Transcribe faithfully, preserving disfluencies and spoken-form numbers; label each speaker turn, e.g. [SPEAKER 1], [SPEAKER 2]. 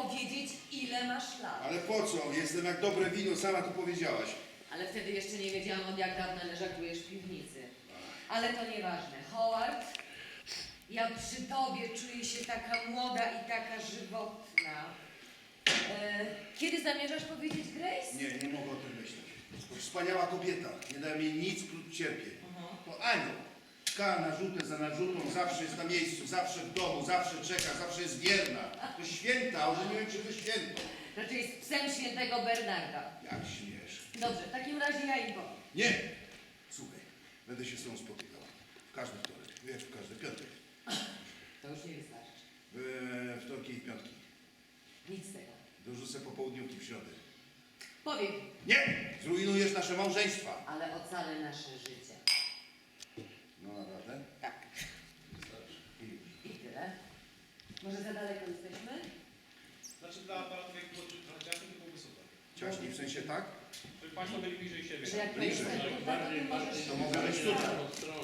[SPEAKER 1] powiedzieć, ile masz lat.
[SPEAKER 2] Ale po co? Jestem jak dobre wino, sama to powiedziałaś.
[SPEAKER 1] Ale wtedy jeszcze nie wiedziałam, od jak dawna leżakujesz w piwnicy. Ale to nieważne. Howard, ja przy tobie czuję się taka młoda i taka żywotna. E, kiedy zamierzasz powiedzieć Grace?
[SPEAKER 2] Nie, nie mogę o tym myśleć. To wspaniała kobieta. Nie daje mi nic, prócz cierpień.
[SPEAKER 1] Aha.
[SPEAKER 2] To anioł. Czeka na rzutę za narzutą, zawsze jest na miejscu, zawsze w domu, zawsze czeka, zawsze jest wierna. To święta, ożeniłem się ze świętą.
[SPEAKER 1] Raczej jest psem świętego Bernarda.
[SPEAKER 2] Jak śmiesz.
[SPEAKER 1] Dobrze, w takim razie ja im powiem.
[SPEAKER 2] Nie! Słuchaj, będę się z tą spotykał. W każdy wtorek, wiesz, w każdy piątek.
[SPEAKER 1] To już nie wystarczy.
[SPEAKER 2] We wtorki i piątki.
[SPEAKER 1] Nic z tego.
[SPEAKER 2] Dorzucę popołudniówki w środę.
[SPEAKER 1] Powiem,
[SPEAKER 2] Nie! Zrujnujesz nasze małżeństwa.
[SPEAKER 1] ale ocalę nasze życie.
[SPEAKER 2] No naprawdę?
[SPEAKER 1] Tak.
[SPEAKER 2] I już.
[SPEAKER 1] I tyle. Może za daleko jesteśmy?
[SPEAKER 3] Znaczy dla aparatu jak było trochę ciasno, to byłoby super.
[SPEAKER 2] Ciaśniej w sensie tak?
[SPEAKER 3] Żeby Państwo byli bliżej siebie.
[SPEAKER 1] Że jak
[SPEAKER 2] Bliżej.
[SPEAKER 1] powiesz tak, to, to, to, to możesz...
[SPEAKER 2] To mogę być tutaj.